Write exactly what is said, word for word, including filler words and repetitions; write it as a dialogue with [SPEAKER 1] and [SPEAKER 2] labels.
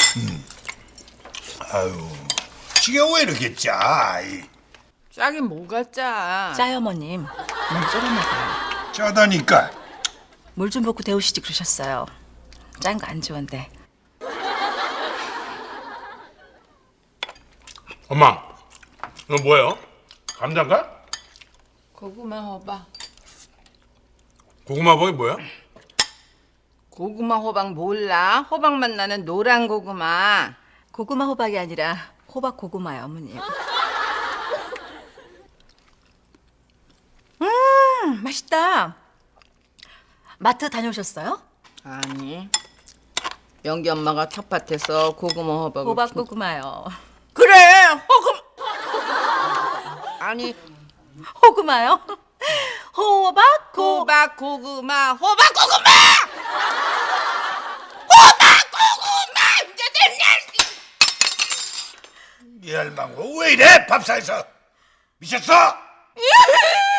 [SPEAKER 1] 아유, 지게 왜 이렇게 짜? 이.
[SPEAKER 2] 짜긴 뭐가 짜?
[SPEAKER 3] 짜요, 어머님. 너무 조금 먹어요.
[SPEAKER 1] 짜다니까.
[SPEAKER 3] 물 좀 붓고 데우시지 그러셨어요. 짠 거 안 좋은데.
[SPEAKER 4] 엄마, 이거 뭐예요? 감자인가?
[SPEAKER 2] 고구마 호박.
[SPEAKER 4] 고구마 버이 뭐야?
[SPEAKER 2] 고구마 호박 몰라? 호박맛 나는 노란 고구마.
[SPEAKER 3] 고구마 호박이 아니라 호박 고구마요, 어머님. 음, 맛있다. 마트 다녀오셨어요?
[SPEAKER 2] 아니. 영기 엄마가 텃밭에서 고구마 호박을
[SPEAKER 3] 호박
[SPEAKER 2] 키-
[SPEAKER 3] 고구마요.
[SPEAKER 2] 그래 호금 아니
[SPEAKER 3] 호구마요? 호박 고
[SPEAKER 2] 호박 고구마 호박 고구마 호박 고구마 이제 됐냐?
[SPEAKER 1] 이 할망구 왜 이래? 밥상에서 미쳤어?